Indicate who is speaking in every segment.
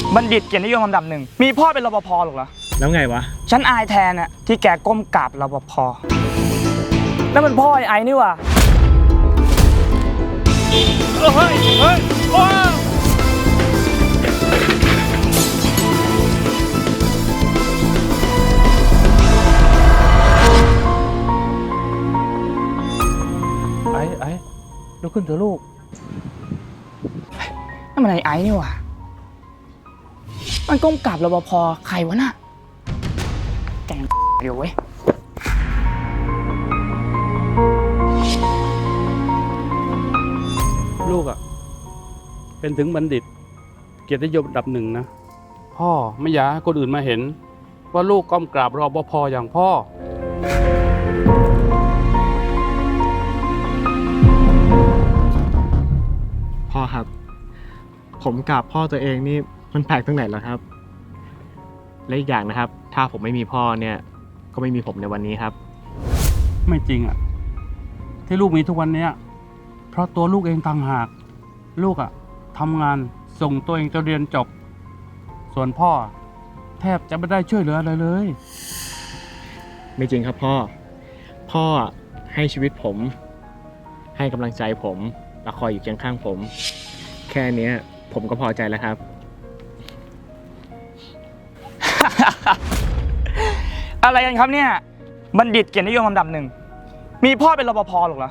Speaker 1: บัณฑิตเกียรตินิยมอันดับหนึ่งมีพ่อเป็นรปภหรอกเหรอ
Speaker 2: แล้วไงวะ
Speaker 1: ฉันอายแทนน่ะที่แกก้มกราบรปภนั่นมันพ่อไอ้นี่ว่ะเฮ้ยพ่อ
Speaker 3: ไอ้ลุกขึ้นเถอะลูก
Speaker 1: นั่นมันไอ้นี่ว่ะมันก้มกราบรปภใครวะน่ะแกงเดี๋ยวเว้ย
Speaker 3: ลูกอ่ะเป็นถึงบัณฑิตเกียรตินิยมอันดับหนึ่งนะพ่อไม่อยากให้คนอื่นมาเห็นว่าลูกก้มกราบรปภอย่างพ่อ
Speaker 2: พ่อครับผมกราบพ่อตัวเองนี่มันแปลกตรงไหนเหรอครับและอีกอย่างนะครับถ้าผมไม่มีพ่อเนี่ยก็ไม่มีผมในวันนี้ครับ
Speaker 3: ไม่จริงอ่ะที่ลูกมีทุกวันนี้เพราะตัวลูกเองต่างหากลูกอ่ะทำงานส่งตัวเองจนเรียนจบส่วนพ่อแทบจะไม่ได้ช่วยเหลืออะไรเลย
Speaker 2: ไม่จริงครับพ่อให้ชีวิตผมให้กำลังใจผมและคอยอยู่เคียงข้างผมแค่นี้ผมก็พอใจแล้วครับ
Speaker 1: อะไรกันครับเนี่ยบัณฑิตเกียรตินิยมอันดับหนึ่งมีพ่อเป็นรปภหรอกเหรอ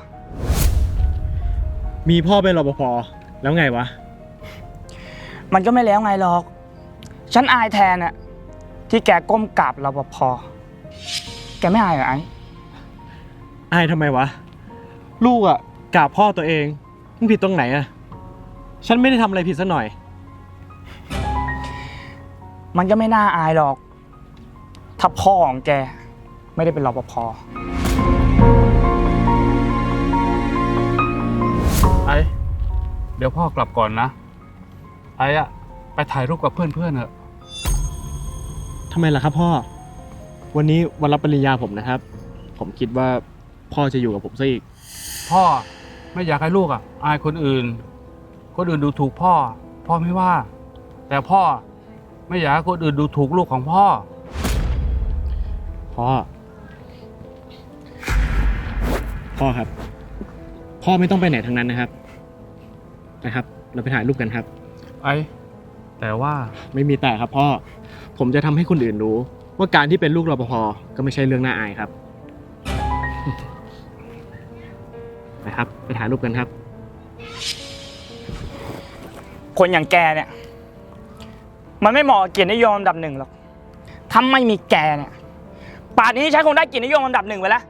Speaker 2: มีพ่อเป็นรปภแล้วไงวะ
Speaker 1: มันก็ไม่แล้วไงหรอกฉันอายแทนน่ะที่แกก้มกราบรปภแกไม่อายเหรอไอ้
Speaker 2: อายทำไมวะลูกอ่ะกราบพ่อตัวเองมึงผิดตรงไหนอ่ะฉันไม่ได้ทำอะไรผิดซะหน่อย
Speaker 1: มันก็ไม่น่าอายหรอกถ้าพ่อของแกไม่ได้เป็นรปภ
Speaker 3: ไอ้เดี๋ยวพ่อกลับก่อนนะไอ้อะไปถ่ายรูปกับเพื่อนๆเถอะ
Speaker 2: ทำไมล่ะครับพ่อวันนี้วันรับปริญญาผมนะครับผมคิดว่าพ่อจะอยู่กับผมซะอีก
Speaker 3: พ่อไม่อยากให้ลูกอ่ะอายคนอื่นดูถูกพ่อไม่ว่าแต่พ่อไม่อยากให้คนอื่นดูถูกลูกของพ่อ
Speaker 2: ครับพ่อไม่ต้องไปไหนทั้งนั้นนะครับเราไปถ่ายรูปกันครับ
Speaker 3: แต่ว่า
Speaker 2: ไม่มีแต่ครับพ่อผมจะทำให้คนอื่นรู้ว่าการที่เป็นลูกรปภก็ไม่ใช่เรื่องน่าอายครับนะครับไปถ่ายรูปกันครับ
Speaker 1: คนอย่างแกเนี่ยมันไม่เหมาะกับเกียรตินิยมอันดับหนึ่งหรอกถ้าไม่มีแกเนี่ยป่านนี้ฉันคงได้เกียรตินิยมอันดับหนึ่งไปแล้ว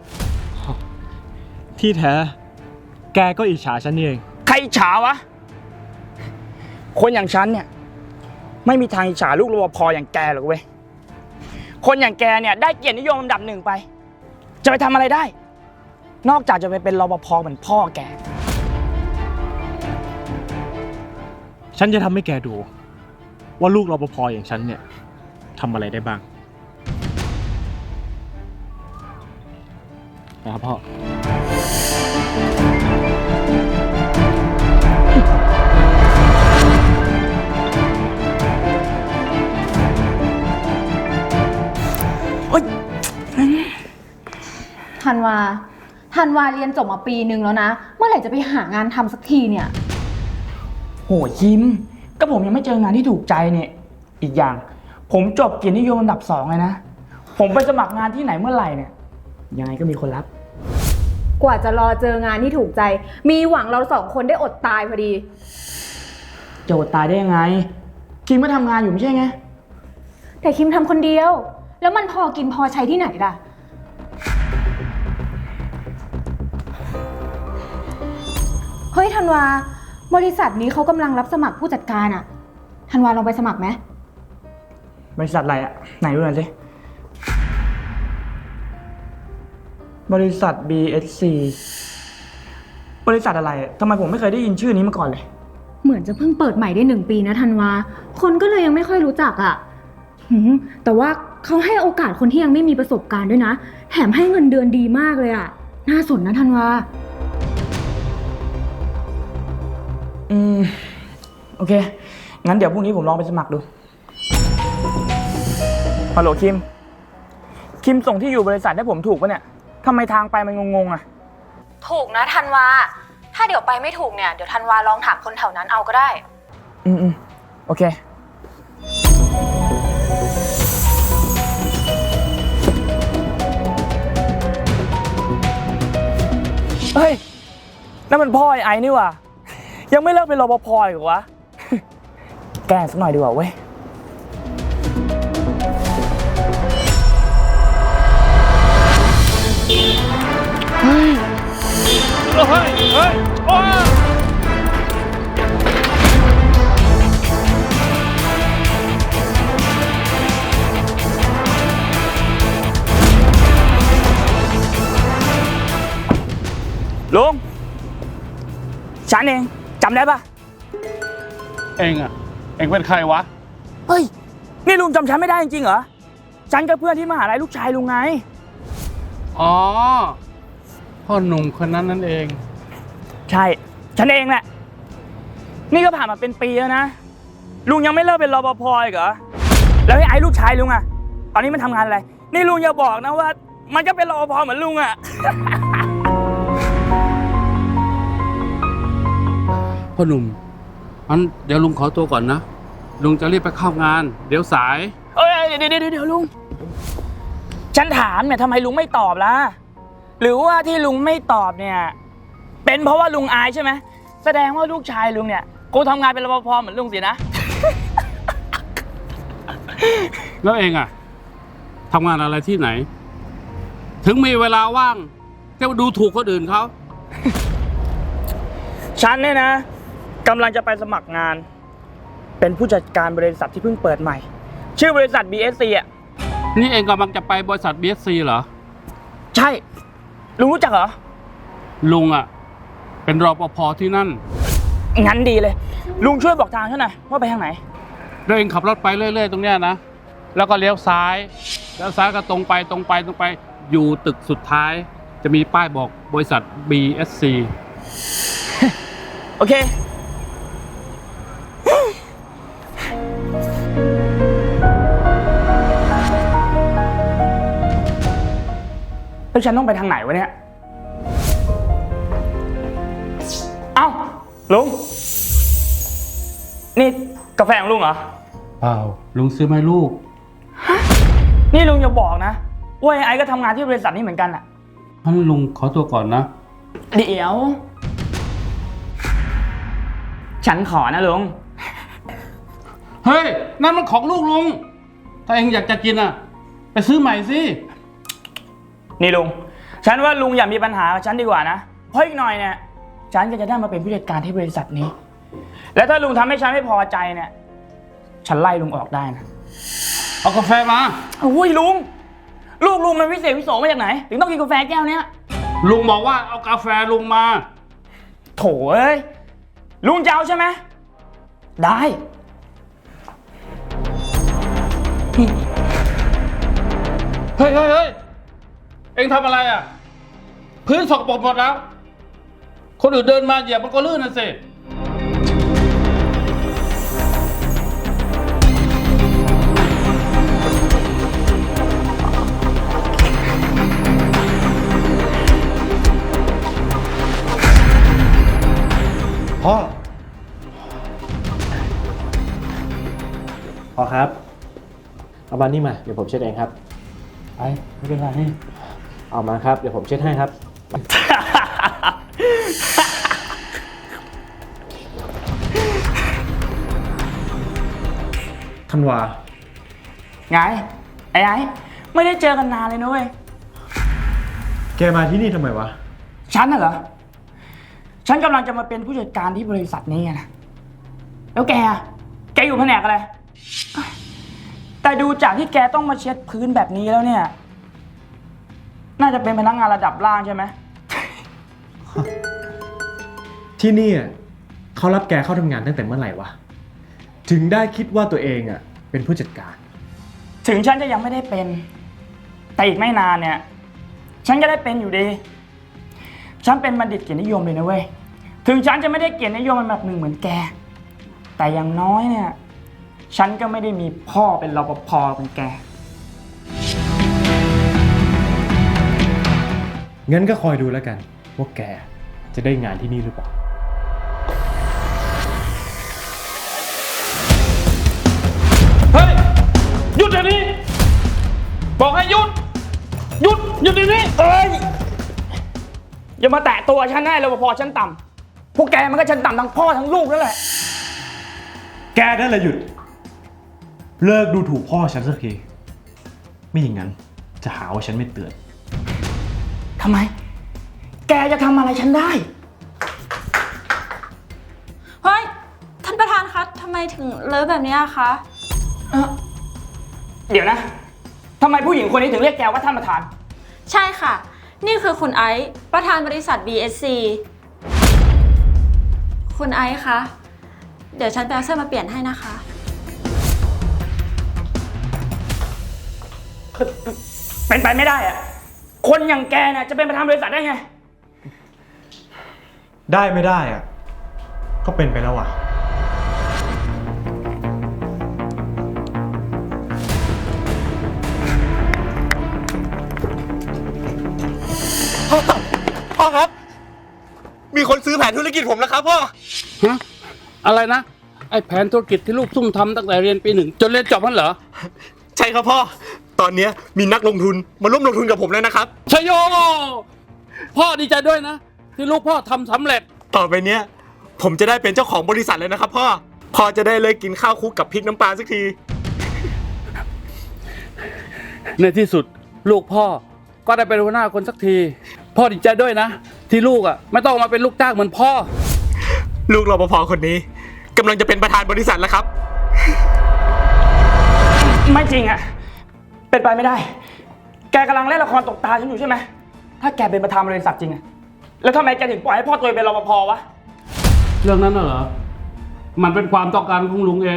Speaker 2: ที่แท้แกก็อิจฉาฉันนี่เอง
Speaker 1: ใครอิจฉาวะคนอย่างฉันเนี่ยไม่มีทางอิจฉาลูกรปภอย่างแกหรอกเว้ยคนอย่างแกเนี่ยได้เกียรตินิยมอันดับหนึ่งไปจะไปทำอะไรได้นอกจากจะไปเป็นรปภเหมือนพ่อแก
Speaker 2: ฉันจะทำให้แกดูว่าลูกรปภอย่างฉันเนี่ยทำอะไรได้บ้างนะครับพ่อ
Speaker 4: ธันวาเรียนจบมาปีนึงแล้วนะเมื่อไหร่จะไปหางานทำสักทีเนี่ย
Speaker 1: โหยิ้มก็ผมยังไม่เจองานที่ถูกใจเนี่ยอีกอย่างผมจบเกียรตินิยมอันดับ2เลยนะผมไปสมัครงานที่ไหนเมื่อไหร่เนี่ยยังไงก็มีคนรับ
Speaker 4: กว่าจะรอเจองานที่ถูกใจมีหวังเรา2คนได้อดตายพอดี
Speaker 1: จะอดตายได้ยังไงคิมก็ทำงานอยู่ไม่ใช่ไง
Speaker 4: แต่คิมทำคนเดียวแล้วมันพอกินพอใช้ที่ไหนล่ะเฮ้ยธันวาบริษัทนี้เขากำลังรับสมัครผู้จัดการอะธันวาลองไปสมัครไหม
Speaker 1: บริษัทอะไรอะไหนดูหน่อยสิบริษัท BSC บริษัทอะไรทำไมผมไม่เคยได้ยินชื่อนี้มาก่อนเลย
Speaker 4: เหมือนจะเพิ่งเปิดใหม่ได้1 ปีนะธันวาคนก็เลยยังไม่ค่อยรู้จักอะแต่ว่าเขาให้โอกาสคนที่ยังไม่มีประสบการณ์ด้วยนะแถมให้เงินเดือนดีมากเลยอะน่าสนนะธันวา
Speaker 1: โอเคงั้นเดี๋ยวพรุ่งนี้ผมลองไปสมัครดู ฮัลโหลคิม คิมส่งที่อยู่บริษัทให้ผมถูกปะเนี่ยทำไมทางไปมันงงๆอะ
Speaker 4: ถูกนะธันวา ถ้าเดี๋ยวไปไม่ถูกเนี่ย เดี๋ยวธันวาลองถามคนแถวนั้นเอาก็ได้
Speaker 1: โอเค เฮ้ย นั่นมันพ่อไอ้นี่ว่ะ ยังไม่เลิกเป็นรปภอีกเหรอวะ แกล้งสักหน่อยดีกว่าเว้ย ลุง ฉันเองจำได้ปะ
Speaker 3: เองเป็นใครวะ
Speaker 1: เฮ้ย นี่ลุงจำฉันไม่ได้จริงๆเหรอ ฉันกับเพื่อนที่มหาลัยลูกชายลุงไง
Speaker 3: อ๋อ พ่อหนุ่มคนนั้นนั่นเอง
Speaker 1: ใช่ ฉันเองแหละ นี่ก็ผ่านมาเป็นปีแล้วนะ ลุงยังไม่เลิกเป็นรปภอีกเหรอ แล้วไอ้ลูกชายลุงอะตอนนี้มันทำงานอะไร นี่ลุงอย่าบอกนะว่า มันก็เป็นรปภเหมือนลุงอะ
Speaker 3: พ่อหนุ่มงั้นเดี๋ยวลุงขอตัวก่อนนะ ลุงจะรีบไปเข้างาน เดี๋ยวสาย
Speaker 1: เอ้ยเดี๋ยวลุง ฉันถามเนี่ยทำไมลุงไม่ตอบล่ะ หรือว่าที่ลุงไม่ตอบเนี่ย เป็นเพราะว่าลุงอายใช่ไหม แสดงว่าลูกชายลุงเนี่ยกูทำงานเป็นรปภเหมือนลุงสินะ
Speaker 3: แล้วเองทำงานอะไรที่ไหน ถึงมีเวลาว่างจะมาดูถูกคนอื่นเขา
Speaker 1: ฉันเนี่ยนะกำลังจะไปสมัครงาน เป็นผู้จัดการบริษัทที่เพิ่งเปิดใหม่ ชื่อบริษัท BSC อ่ะ
Speaker 3: นี่เองกำลังจะไปบริษัท BSC เหรอ
Speaker 1: ใช่ ลุงรู้จักเหรอ
Speaker 3: ลุงเป็นรปภที่นั่น
Speaker 1: งั้นดีเลย ลุงช่วยบอกทางฉันหน่อยว่าไปทางไหน
Speaker 3: แล้วเองขับรถไปเรื่อยๆตรงเนี้ยนะ แล้วก็เลี้ยวซ้าย แล้วซ้ายก็ตรงไปอยู่ตึกสุดท้าย จะมีป้ายบอกบริษัท BSC
Speaker 1: โอเค แล้วฉันต้องไปทางไหนวะเนี่ย เอ้า ลุง นี่กาแฟของลุงเหรอ
Speaker 3: เปล่า ลุงซื้อมาให้ลูก
Speaker 1: นี่ลุงอย่าบอกนะว่าไอ้ก็ทำงานที่บริษัทนี้เหมือนกันอะ
Speaker 3: งั้นลุงขอตัวก่อนนะ
Speaker 1: เดี๋ยว ฉันขอนะลุง
Speaker 3: เฮ้ย นั่นมันของลูกลุง ถ้าเองอยากจะกินไปซื้อใหม่สิ
Speaker 1: นี่ลุง ฉันว่าลุงอย่ามีปัญหากับฉันดีกว่านะ เพราะอีกหน่อยเนี่ย ฉันก็จะได้มาเป็นผู้จัดการที่บริษัทนี้ แล้วถ้าลุงทำให้ฉันไม่พอใจเนี่ย ฉันไล่ลุงออกได้นะ
Speaker 3: เอากาแฟมา
Speaker 1: โอ้ยลุง ลูกลุงมันวิเศษวิโสมาจากไหน ถึงต้องกินกาแฟแก้วเนี้ย
Speaker 3: ลุงบอกว่าเอากาแฟลุงมา
Speaker 1: โถเอ้ย ลุงจะเอาใช่ไหม ได้
Speaker 3: เฮ้ย เองทำอะไรพื้นสกปรกหมดแล้ว คนอื่นเดินมาเหยียบมันก็ลื่นน่ะสิ
Speaker 2: พ่อครับเอามานี่มาเดี๋ยวผมเช็ดเองครับ
Speaker 3: ไม่เป็นไร
Speaker 2: เอามาครับเดี๋ยวผมเช็ดให้ครับ ธันวา
Speaker 1: ไง ไอ้ไม่ได้เจอกันนานเลยนะเว้ย
Speaker 2: แกมาที่นี่ทำไมวะ
Speaker 1: ฉันน่ะเหรอ ฉันกำลังจะมาเป็นผู้จัดการที่บริษัทนี้ไงนะ แล้วแกอยู่แผนกอะไร แต่ดูจากที่แกต้องมาเช็ดพื้นแบบนี้แล้วเนี่ย น่าจะเป็นพนักงานระดับล่างใช่ไหม
Speaker 2: ที่นี่เขารับแกเข้าทำงานตั้งแต่เมื่อไหร่วะ ถึงได้คิดว่าตัวเองเป็นผู้จัดการ
Speaker 1: ถึงฉันจะยังไม่ได้เป็น แต่อีกไม่นานเนี่ย ฉันก็ได้เป็นอยู่ดี ฉันเป็นบัณฑิตเกียรตินิยมเลยนะเว้ย ถึงฉันจะไม่ได้เกียรตินิยมมันแบบหนึ่งเหมือนแกแต่อย่างน้อยเนี่ย ฉันก็ไม่ได้มีพ่อเป็นรปภเป็นแก
Speaker 2: งั้นก็คอยดูแล้วกันว่าแกจะได้งานที่นี่หรือเปล่า
Speaker 3: เฮ้ย หยุดเดี๋ยวนี้ บอกให้หยุด หยุดเดี๋ยวนี้
Speaker 1: เอ้ย อย่ามาแตะตัวฉันได้รปภชั้นต่ำพวกแกมันก็ชั้นต่ำทั้งพ่อทั้งลูกนั่นแหละ
Speaker 2: แกนั่นแหละหยุด เลิกดูถูกพ่อฉันสักที ไม่อย่างนั้นจะหาว่าฉันไม่เตือน
Speaker 1: ทำไม แกจะทำอะไรฉันได้
Speaker 5: เฮ้ย ท่านประธานคะทำไมถึงเลอะแบบนี้อะคะ
Speaker 1: เดี๋ยวนะทำไมผู้หญิงคนนี้ถึงเรียกแกว่าท่านประธาน
Speaker 5: ใช่ค่ะ นี่คือคุณไอซ์ประธานบริษัท BSC คุณไอซ์คะ เดี๋ยวฉันไปเอาเสื้อมาเปลี่ยนให้นะคะ
Speaker 1: เป็นไปไม่ได้อะคนอย่างแกเนี่ยจะเป็นประธานบริษัทได้ไง
Speaker 2: ได้ไม่ได้อะก็เป็นไปแล้วอ่ะ
Speaker 6: พ่อครับ มีคนซื้อแผนธุรกิจผมแล้วครับพ่อ
Speaker 3: ฮะ อะไรนะ ไอ้แผนธุรกิจที่ลูกซุ่มทำตั้งแต่เรียนปี 1 จนเรียนจบนั่นเหรอ
Speaker 6: ใช่ครับพ่อ ตอนนี้มีนักลงทุนมาร่วมลงทุนกับผมแล้วนะครับ
Speaker 3: ชโย พ่อดีใจด้วยนะ ที่ลูกพ่อทำสำเร็จ
Speaker 6: ต่อไปเนี้ยผมจะได้เป็นเจ้าของบริษัทเลยนะครับพ่อจะได้เลยกินข้าวคลุกกับพริกน้ำปลาสักที
Speaker 3: ในที่สุดลูกพ่อก็ได้เป็นหัวหน้าคนสักที พ่อดีใจด้วยนะ ที่ลูกอ่ะไม่ต้องมาเป็นลูกจ้างเหมือนพ่อ
Speaker 6: ลูกรปภคนนี้กำลังจะเป็นประธานบริษัทแล้วครับ
Speaker 1: ไม่จริงอะเป็นไปไม่ได้ แกกำลังเล่นละครตกตาฉันอยู่ใช่ไหม ถ้าแกเป็นประธานบริษัทจริงอะแล้วทำไมแกถึงปล่อยให้พ่อตัวเองเป็นรปภวะ
Speaker 3: เรื่องนั้นน่ะเหรอ มันเป็นความต้องการของลุงเอง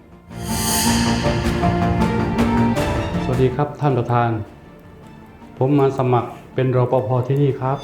Speaker 3: สวัสดีครับท่านประธาน ผมมาสมัครเป็นรปภที่นี่ครับ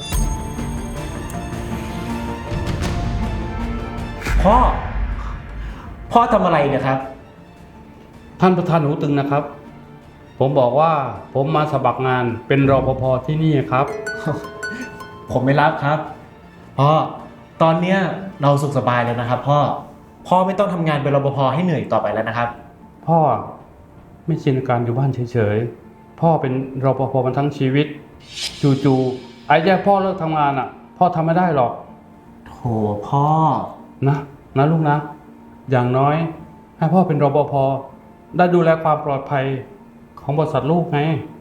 Speaker 2: พ่อทำอะไรเนี่ยครับ
Speaker 3: ท่านประธานหูตึงนะครับ ผมบอกว่าผมมาสมัครงานเป็นรปภที่นี่ครับ
Speaker 2: ผมไม่รับครับ พ่อ ตอนเนี้ยเราสุขสบายแล้วนะครับ พ่อไม่ต้องทำงานเป็นรปภให้เหนื่อยต่อไปแล้วนะครับ
Speaker 3: พ่อไม่ชินกับการอยู่บ้านเฉยๆ พ่อเป็นรปภมาทั้งชีวิต จู่ๆไอ้แย่พ่อเลิกทำงานอ่ะ พ่อทำไม่ได้หรอก
Speaker 2: โถพ่อ
Speaker 3: นะลูกนะ อย่างน้อยให้พ่อเป็นรปภได้ดูแลความปลอดภัยของบริษัทลูกไง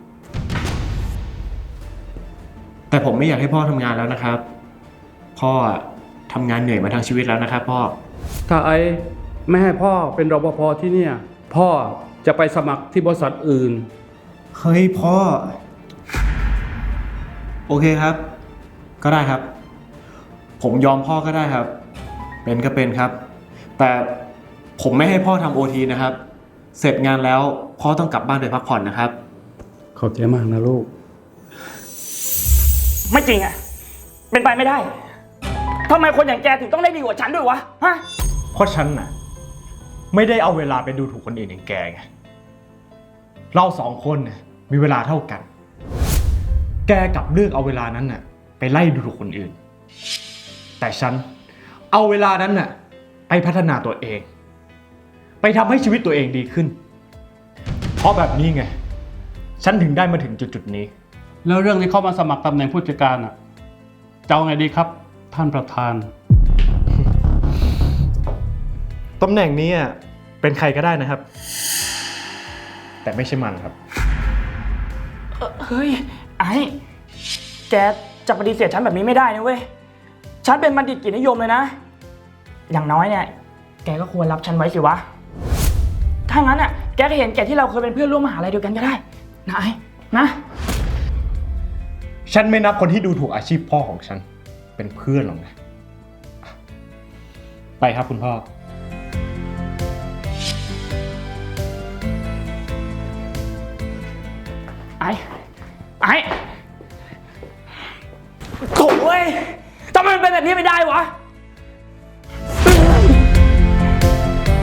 Speaker 2: แต่ผมไม่อยากให้พ่อทำงานแล้วนะครับ พ่อทำงานเหนื่อยมาทั้งชีวิตแล้วนะครับพ่อ
Speaker 3: ถ้าไอ้ไม่ให้พ่อเป็นรปภที่เนี่ย พ่อจะไปสมัครที่บริษัทอื่น
Speaker 2: เฮ้ยพ่อ โอเคครับ ก็ได้ครับ ผมยอมพ่อก็ได้ครับ เป็นก็เป็นครับ แต่ผมไม่ให้พ่อทำโอทีนะครับ เสร็จงานแล้วพ่อต้องกลับบ้านไปพักผ่อนนะครับ
Speaker 3: ขอบใจมากนะลูก
Speaker 1: ไม่จริงอะเป็นไปไม่ได้ทำไมคนอย่างแกถึงต้องได้ดีกว่าฉันด้วยวะ ฮะ
Speaker 2: เพราะฉันน่ะไม่ได้เอาเวลาไปดูถูกคนอื่นอย่างแกไง เราสองคนน่ะมีเวลาเท่ากัน แกกลับเลือกเอาเวลานั้นน่ะไปไล่ดูถูกคนอื่น แต่ฉันเอาเวลานั้นน่ะไปพัฒนาตัวเอง ไปทำให้ชีวิตตัวเองดีขึ้น เพราะแบบนี้ไง ฉันถึงได้มาถึงจุดนี้
Speaker 3: แล้วเรื่องที่เข้ามาสมัครตำแหน่งผู้จัดการอ่ะจะเอาไงดีครับ ท่านประธาน
Speaker 2: ตำแหน่งนี้เป็นใครก็ได้นะครับ แต่ไม่ใช่มันครับ
Speaker 1: เฮ้ย ไอ้แกจะปฏิเสธฉันแบบนี้ไม่ได้นะเว้ย ฉันเป็นบัณฑิตเกียรตินิยมเลยนะ อย่างน้อยเนี่ย แกก็ควรรับฉันไว้สิวะ ถ้างั้นอ่ะ แกก็เห็นแกที่เราเคยเป็นเพื่อนร่วมมหาลัยเดียวกันก็ได้ นะไอ้นะ
Speaker 2: ฉันไม่นับคนที่ดูถูกอาชีพพ่อของฉันเป็นเพื่อนหรอกนะ ไปครับคุณพ่อ
Speaker 1: ไอ้โถ่เว้ยทำไมมันเป็นแบบนี้ไม่ได้วะ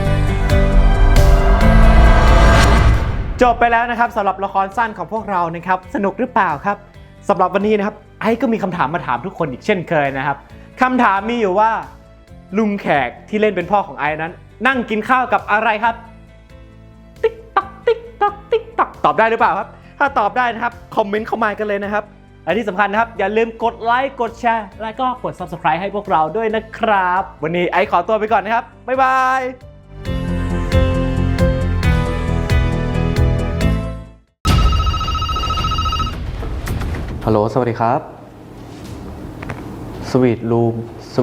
Speaker 2: จบไปแล้วนะครับสำหรับละครสั้นของพวกเรานะครับสนุกหรือเปล่าครับสำหรับวันนี้นะครับไอ้ก็มีคำถามมาถามทุกคนอีกเช่นเคยนะครับคำถามมีอยู่ว่าลุงแขกที่เล่นเป็นพ่อของไอ้นั้น นั่งกินข้าวกับอะไรครับติ๊กตักติ๊กตักติ๊กตักตอบได้หรือเปล่าครับถ้าตอบได้นะครับคอมเมนต์เข้ามากันเลยนะครับและที่สำคัญนะครับอย่าลืมกดไลค์กดแชร์และก็กด Subscribe ให้พวกเราด้วยนะครับวันนี้ไอ้ขอตัวไปก่อนนะครับบ๊ายบายฮัลโหลสวัสดีครับสวีทรูม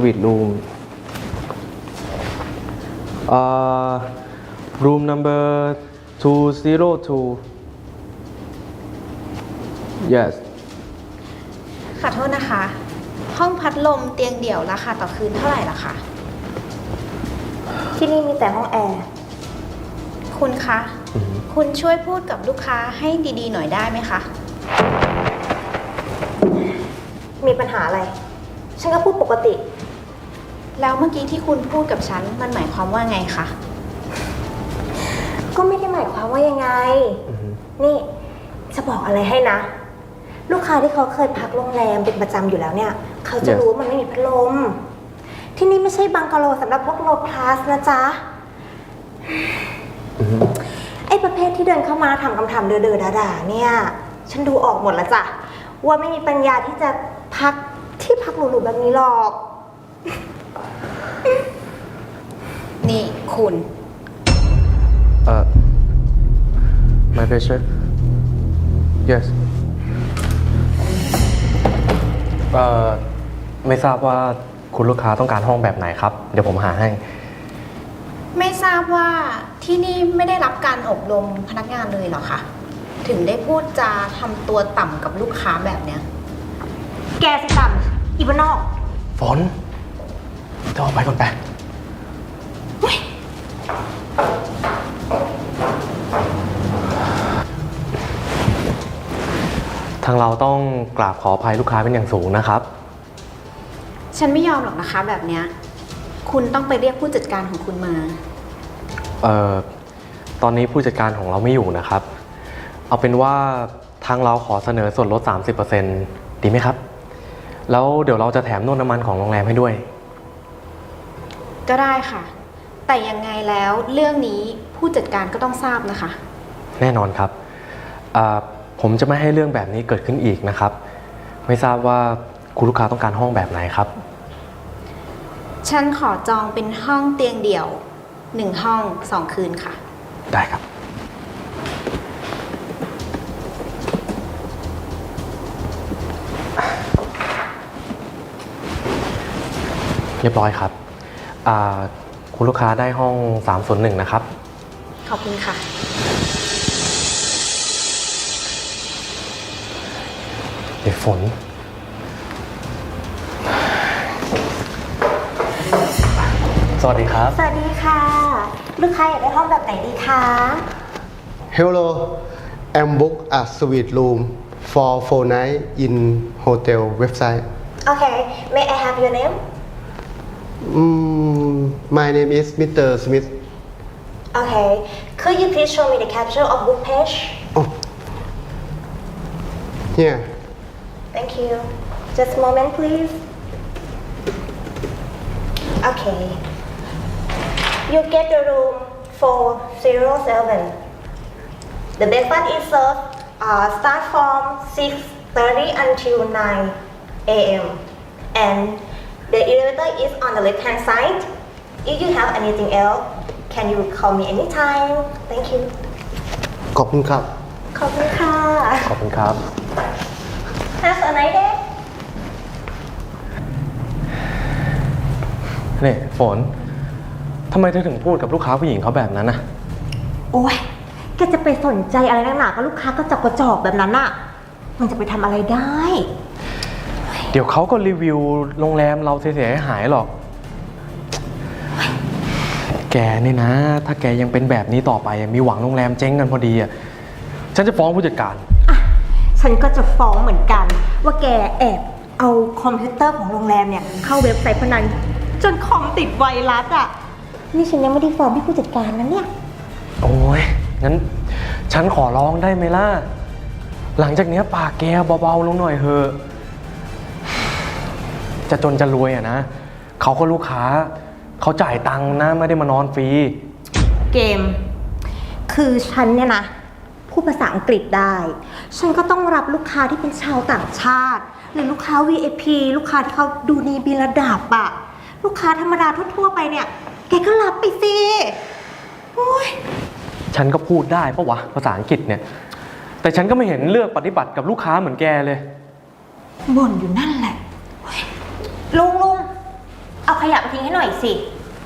Speaker 2: room number 202 yes
Speaker 7: ขอโทษนะคะ ห้องพัดลมเตียงเดี่ยวราคาต่อคืนเท่าไหร่ล่ะคะ
Speaker 8: ที่นี่มีแต่ห้องแอร์
Speaker 7: คุณคะ คุณช่วยพูดกับลูกค้าให้ดีๆหน่อยได้ไหมคะ
Speaker 8: มีปัญหาอะไร ฉันก็พูดปกติ
Speaker 7: แล้วเมื่อกี้ที่คุณพูดกับฉันมันหมายความว่าไงคะ
Speaker 8: ก็ไม่ได้หมายความว่ายังไง นี่จะบอกอะไรให้นะ ลูกค้าที่เขาเคยพักโรงแรมเป็นประจำอยู่แล้วเนี่ย เขาจะรู้ว่ามันไม่มีพัดลม ที่นี่ไม่ใช่บังกะโลสำหรับพวกโลคลาสนะจ๊ะ ไอ้ประเภทที่เดินเข้ามาทำคำถามเดือๆด่าๆเนี่ย ฉันดูออกหมดแล้วจ้ะว่าไม่มีปัญญาที่จะพักที่พักหรูๆแบบนี้หรอก
Speaker 7: นี่คุณ
Speaker 2: my pleasure yes ไม่ทราบว่าคุณลูกค้าต้องการห้องแบบไหนครับเดี๋ยวผมหาให้
Speaker 7: ไม่ทราบว่าที่นี่ไม่ได้รับการอบรมพนักงานเลยเหรอคะถึงได้พูดจาทำตัวต่ำกับลูกค้าแบบเนี้ย
Speaker 8: แกสิต่ำอีบ้านนอก
Speaker 2: ฝนจะออกไปก่อนไปทางเราต้องกราบขออภัยลูกค้าเป็นอย่างสูงนะครับ
Speaker 7: ฉันไม่ยอมหรอกนะคะแบบเนี้ยคุณต้องไปเรียกผู้จัดการของคุณมา
Speaker 2: ตอนนี้ผู้จัดการของเราไม่อยู่นะครับ เอาเป็นว่าทางเราขอเสนอส่วนลด 30% ดีไหมครับ แล้วเดี๋ยวเราจะแถมนวดน้ำมันของโรงแรมให้ด้วย
Speaker 7: ก็ได้ค่ะ แต่ยังไงแล้วเรื่องนี้ผู้จัดการก็ต้องทราบนะคะ
Speaker 2: แน่นอนครับ ผมจะไม่ให้เรื่องแบบนี้เกิดขึ้นอีกนะครับ ไม่ทราบว่าคุณลูกค้าต้องการห้องแบบไหนครับ
Speaker 7: ฉันขอจองเป็นห้องเตียงเดี่ยว1ห้อง2 คืนค่ะ
Speaker 2: ได้ครับ เรียบร้อยครับ คุณลูกค้าได้ห้อง 301 นะครับ
Speaker 7: ขอบคุณค่ะ
Speaker 2: เดี๋ยวฝน สวัสดีครับ
Speaker 8: สวัสดีค่ะ ลูกค้าอยากได้ห้องแบบไหนดีคะ
Speaker 9: Hello, I'm book a suite room for 4 nights in hotel website.
Speaker 8: โอเค May I have your name
Speaker 9: My name is Mr. Smith.
Speaker 8: Okay Could you please show me the capture of book page
Speaker 9: Oh, here.
Speaker 8: Thank you Just a moment please Okay You get the room 407 The breakfast is served start from 6:30 until 9 a.m. and the elevator is on the left hand side. If you have anything else, can you call me anytime? Thank you.
Speaker 9: ขอบคุณครับ
Speaker 8: ขอบคุณค่ะ
Speaker 2: ขอบคุณครับ
Speaker 8: Have a nice day.
Speaker 2: นี่ฝน ทำไมเธอถึงพูดกับลูกค้าผู้หญิงเขาแบบนั้นนะ
Speaker 8: โอ้ยแกจะไปสนใจอะไรนักหนากับลูกค้ากระจอกแบบนั้นอะมันจะไปทำอะไรได้
Speaker 2: เดี๋ยวเขาก็รีวิวโรงแรมเราเสียหายหรอก แกนี่นะ ถ้าแกยังเป็นแบบนี้ต่อไปมีหวังโรงแรมเจ๊งกันพอดีอ่ะ ฉันจะฟ้องผู้จัดการ
Speaker 8: ฉันก็จะฟ้องเหมือนกัน ว่าแกแอบเอาคอมพิวเตอร์ของโรงแรมเนี่ยเข้าเว็บไซต์พนันจนคอมติดไวรัสอ่ะ นี่ฉันยังไม่ได้ฟ้องพี่ผู้จัดการนะเนี่ย
Speaker 2: โอ้ยงั้นฉันขอร้องได้ไหมล่ะ หลังจากนี้ปากแกเบาๆลงหน่อยเถอะ จะจนจะรวยอะนะ เขาก็ลูกค้า เขาจ่ายตังค์นะไม่ได้มานอนฟรี
Speaker 8: เกม คือฉันเนี่ยนะพูดภาษาอังกฤษได้ ฉันก็ต้องรับลูกค้าที่เป็นชาวต่างชาติ หรือลูกค้า VIP ลูกค้าที่เขาดูมีระดับอะลูกค้าธรรมดาทั่วๆไปเนี่ย แกก็รับไปสิโอ้ย
Speaker 2: ฉันก็พูดได้ปะวะภาษาอังกฤษเนี่ย แต่ฉันก็ไม่เห็นเลือกปฏิบัติกับลูกค้าเหมือนแกเลย
Speaker 8: บ่นอยู่นั่นแหละโอ๊ยลุงเอาขยะไปทิ้งให้หน่อยสิ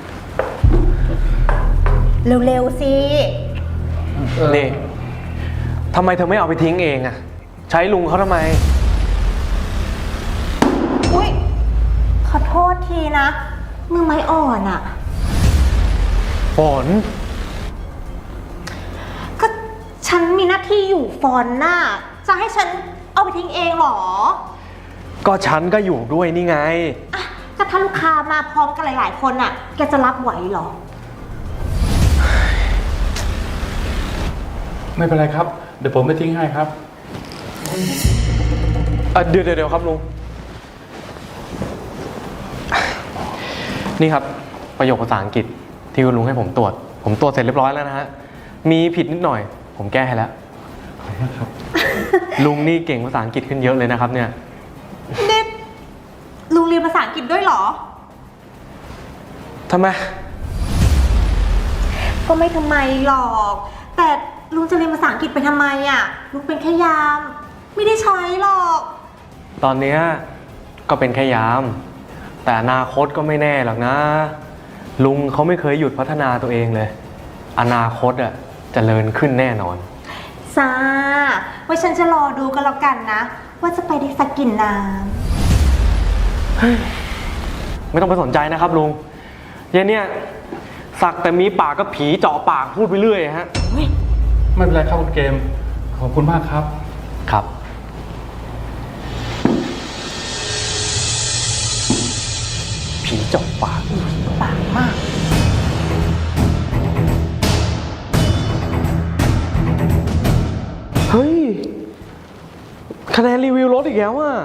Speaker 8: เร็วๆสิ
Speaker 2: นี่ทำไมเธอไม่เอาไปทิ้งเองอะใช้ลุงเขาทำไม
Speaker 8: อุ้ยขอโทษทีนะมือไม้อ่อนอะ
Speaker 2: ฝน
Speaker 8: ก็ฉันมีหน้าที่อยู่ฟอนหน้า จะให้ฉันเอาไปทิ้งเองเหรอ
Speaker 2: ก็ฉันก็อยู่ด้วยนี่ไง
Speaker 8: อ่ะก็ถ้าลูกค้ามาพร้อมกันหลายๆคนอะแกจะรับไหวเหรอ
Speaker 3: ไม่เป็นไรครับ เดี๋ยวผมไปทิ้งให้ครับ
Speaker 2: เดี๋ยวครับลุง นี่ครับประโยคภาษาอังกฤษที่คุณลุงให้ผมตรวจ ผมตรวจเสร็จเรียบร้อยแล้วนะฮะ มีผิดนิดหน่อย ผมแก้ให้แล้ว ลุงนี่เก่งภาษาอังกฤษขึ้นเยอะเลยนะครับเนี่ย
Speaker 8: นี่ลุงเรียนภาษาอังกฤษด้วยเหรอ
Speaker 2: ทำไม
Speaker 8: ก็ไม่ทำไมหรอก แต่ลุงจะเรียนภาษาอังกฤษไปทำไมอ่ะ ลุงเป็นแค่ยาม ไม่ได้ใช้หรอก
Speaker 2: ตอนเนี้ยก็เป็นแค่ยาม แต่อนาคตก็ไม่แน่หรอกนะ ลุงเขาไม่เคยหยุดพัฒนาตัวเองเลย อนาคตอ่ะเจริญขึ้นแน่นอน
Speaker 8: ซาไว้ฉันจะรอดูกันแล้วกันนะ ว่าจะไปได้สักกี่น้
Speaker 2: ไม่ต้องไปสนใจนะครับลุงเย็นเนี่ยสักแต่มีปากก็ผีเจาะปากพูดไปเรื่อยฮะ
Speaker 8: ำ
Speaker 3: ไม่เป็นไรครับคุณเกม ขอบคุณมากครับ
Speaker 2: ครับ ผีเจาะปาก
Speaker 8: ปากมาก
Speaker 2: เฮ้ย คะแนนรีวิวลดอีกแล้วอ่ะ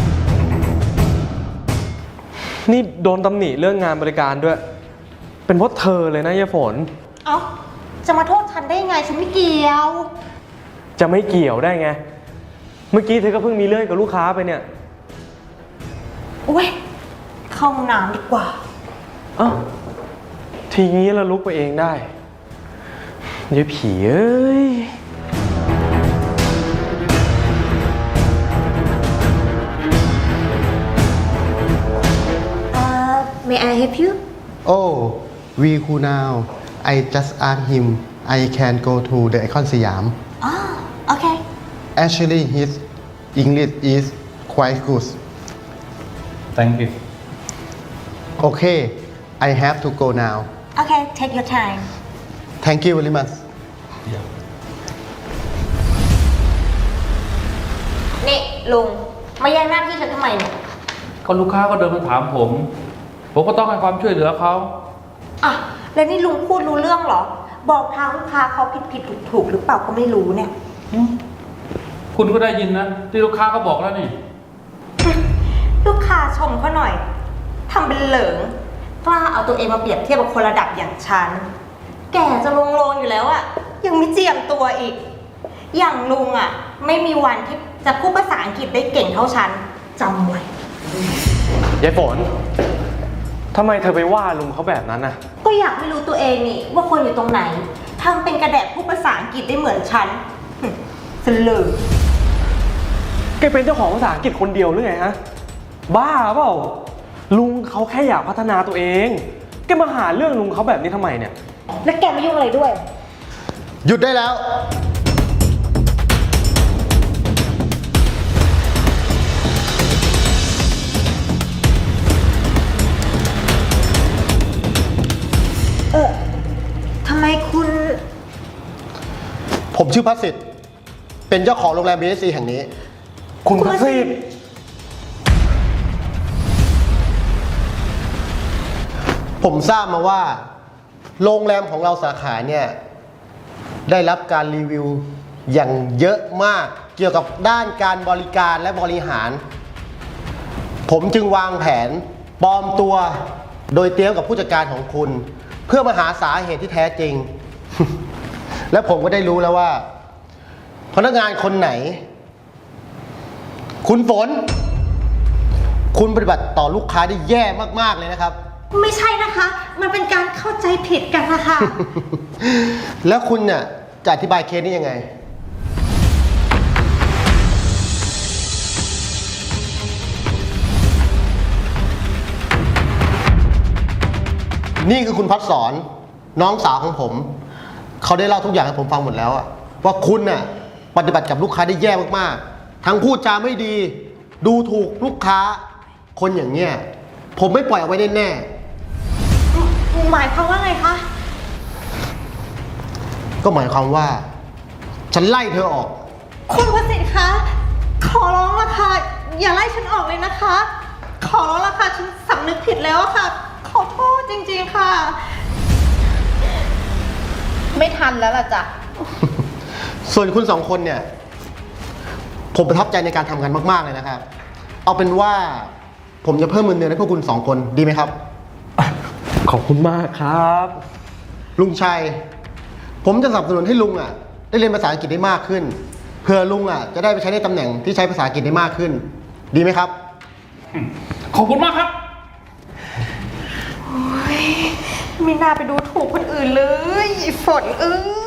Speaker 2: นี่โดนตำหนิเรื่องงานบริการด้วย เป็นเพราะเธอเลยนะยายฝน
Speaker 8: เอ้า จะมาโทษฉันได้ยังไง ฉันไม่เกี่ยว
Speaker 2: จะไม่เกี่ยวได้ไง เมื่อกี้เธอก็เพิ่งมีเรื่องกับลูกค้าไปเนี่ย
Speaker 8: โอ้ย เข้าห้องน้ำดีกว่า
Speaker 2: เอ้าทีนี้เราลุกไปเองได้ยายผีเอ้ย
Speaker 8: May I help you?
Speaker 9: Oh, we who now? I just asked him. I can go to the Icon Siam.
Speaker 8: Oh, okay.
Speaker 9: Actually, his English is quite good.
Speaker 3: Thank you.
Speaker 9: Okay, I have to go now.
Speaker 8: Okay, take your time.
Speaker 9: Thank you very much.
Speaker 8: นี่ลุง มาแย่งหน้าที่ฉันทำไมเนี่ย
Speaker 3: ก็ลูกค้าก็เดินมาถามผมก็ต้องให้ความช่วยเหลือเขา
Speaker 8: อ่ะ แล้วนี่ลุงพูดรู้เรื่องเหรอ บอกทางลูกค้าเขาผิดถูกหรือเปล่าก็ไม่รู้เนี่ย
Speaker 3: คุณก็ได้ยินนะ ที่ลูกค้าเขาบอกแล้วนี่
Speaker 8: ลูกค้าชมเขาหน่อย ทำเป็นเหลิง กล้าเอาตัวเองมาเปรียบเทียบกับคนระดับอย่างฉัน แก่จะลงอยู่แล้วอะยังไม่เจียมตัวอีก อย่างลุงอะไม่มีวันที่จะพูดภาษาอังกฤษได้เก่งเท่าฉันจำไว้
Speaker 2: ยายฝน ทำไมเธอไปว่าลุงเขาแบบนั้นน่ะ
Speaker 8: ก็อยากไม่รู้ตัวเองนี่ว่าคนอยู่ตรงไหนทำเป็นกระแดะพูดภาษาอังกฤษได้เหมือนฉันสลือ
Speaker 2: แกเป็นเจ้าของภาษาอังกฤษคนเดียวหรือไงฮะ บ้าเปล่า ลุงเขาแค่อยากพัฒนาตัวเอง แกมาหาเรื่องลุงเขาแบบนี้ทำไมเนี่ย
Speaker 8: แล้วแกมายุ่งอะไรด้วย
Speaker 9: หยุดได้แล้ว
Speaker 8: ทำไมคุณ
Speaker 9: ผมชื่อพัสสิทธิ์เป็นเจ้าของโรงแรม BSC แห่งนี้
Speaker 2: คุณพัสสิทธิ์
Speaker 9: ผมทราบมาว่า โรงแรมของเราสาขาเนี่ยได้รับการรีวิวอย่างเยอะมากเกี่ยวกับด้านการบริการและบริหาร ผมจึงวางแผนปลอมตัวโดยเตรียมกับผู้จัดการของคุณ เพื่อมาหาสาเหตุที่แท้จริง และผมก็ได้รู้แล้วว่าพนักงานคนไหน คุณฝน คุณปฏิบัติต่อลูกค้าได้แย่มากๆเลยนะครับ
Speaker 8: ไม่ใช่นะคะ มันเป็นการเข้าใจผิดกันนะคะ
Speaker 9: แล้วคุณเนี่ยจะอธิบายเคสนี้ยังไง นี่คือคุณพัดสอนน้องสาวของผม เขาได้เล่าทุกอย่างให้ผมฟังหมดแล้วอะว่าคุณน่ะปฏิบัติกับลูกค้าได้แย่มากๆ ทั้งพูดจาไม่ดี ดูถูกลูกค้า คนอย่างเงี้ยผมไม่ปล่อยเอาไว้แน่
Speaker 8: หมายความว่าไงคะ
Speaker 9: ๆก็หมายความว่า ฉันไล่เธอออก
Speaker 8: คุณประสิทธิ์คะ ขอร้องละค่ะ อย่าไล่ฉันออกเลยนะคะ ขอร้องละค่ะ ฉันสำนึกผิดแล้วอะค่ะ ขอโทษจริงๆค่ะ
Speaker 7: ไม่ทันแล้วล่ะจ้ะ
Speaker 9: ส่วนคุณสองคนเนี่ย ผมประทับใจในการทำงานมากๆเลยนะครับ เอาเป็นว่าผมจะเพิ่มเงินเดือนให้พวกคุณสองคนดีไหมครับ
Speaker 2: ขอบคุณมากครับ
Speaker 9: ลุงชัย ผมจะสนับสนุนให้ลุงอ่ะ ได้เรียนภาษาอังกฤษได้มากขึ้น เพื่อลุงอ่ะจะได้ไปใช้ในตำแหน่งที่ใช้ภาษาอังกฤษได้มากขึ้น ดีไหมครับ
Speaker 3: ขอบคุณมากครับ
Speaker 8: ไม่น่าไปดูถูกคนอื่นเลยฝนเอ้ย